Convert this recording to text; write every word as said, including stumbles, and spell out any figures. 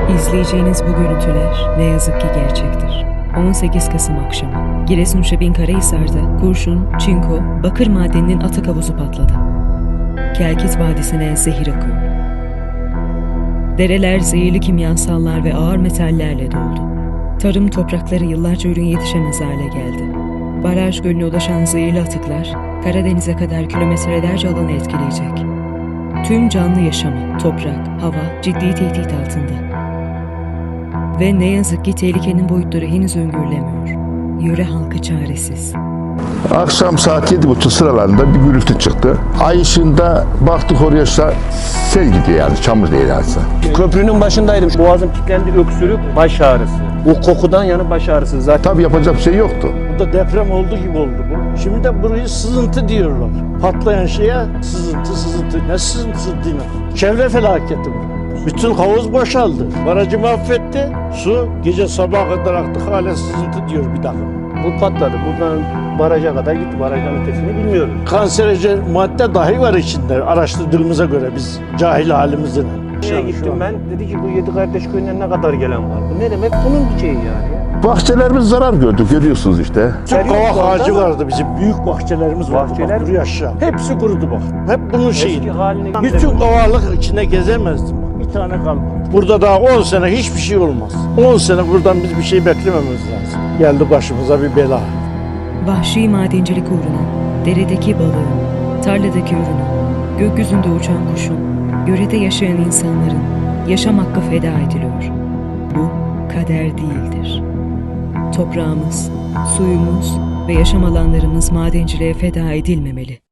İzleyeceğiniz bu görüntüler ne yazık ki gerçektir. on sekiz Kasım akşamı Giresun Şebin-Karahisar'da kurşun, çinko, bakır madeninin atık havuzu patladı. Kelkit Vadisi'ne zehir akıyor. Dereler zehirli kimyasallar ve ağır metallerle doldu. Tarım toprakları yıllarca ürün yetişemez hale geldi. Baraj gölüne ulaşan zehirli atıklar Karadeniz'e kadar kilometrelerce alanı etkileyecek. Tüm canlı yaşamı, toprak, hava ciddi tehdit altında. Ve ne yazık ki tehlikenin boyutları henüz öngörülemiyor. Yöre halkı çaresiz. Akşam saat yedi buçuk sıralarında bir gürültü çıktı. Ay ışığında baktık oraya sel gidiyor yani, çamur değil aslında. Köprünün başındaydım. Boğazım kilitlendi, öksürük, baş ağrısı. O kokudan yanı baş ağrısı zaten. Tabii yapacak bir şey yoktu. Burada deprem olduğu gibi oldu bu. Şimdi de burayı sızıntı diyorlar. Patlayan şeye sızıntı sızıntı. Ne sızıntısı değil mi? Çevre felaketi bu. Bütün havuz boşaldı. Barajı mahvetti. Su gece sabaha kadar aktı. Hala sızıntı diyor bir dakika. Bu patladı. Buradan baraja kadar gitti. Barajdan ötesini bilmiyorum. Kanserojen madde dahi var içinde. Araştırdığımıza göre biz cahil halimizden. Şeye gittim ben. Dedi ki bu Yedi Kardeş Köyü'nden ne kadar gelen var? Bu ne demek? Bunun bir şeyi yani. Bahçelerimiz zarar gördü, görüyorsunuz işte. Çok kavak ağacı vardı bizim. Büyük bahçelerimiz vardı. Bahçeler Bak, buraya aşağı. Hepsi kurudu bak. Hep bunun şeyi. Eski haline Bütün kavaklık içinde gezemezdim. Bir tane kalmadı. Burada daha on sene hiçbir şey olmaz. on sene buradan biz bir şey beklememiz lazım. Geldi başımıza bir bela. Vahşi madencilik uğruna deredeki balığın, tarladaki ürünün, gökyüzünde uçan kuşun, yörede yaşayan insanların yaşam hakkı feda ediliyor. Bu kader değildir. Toprağımız, suyumuz ve yaşam alanlarımız madenciliğe feda edilmemeli.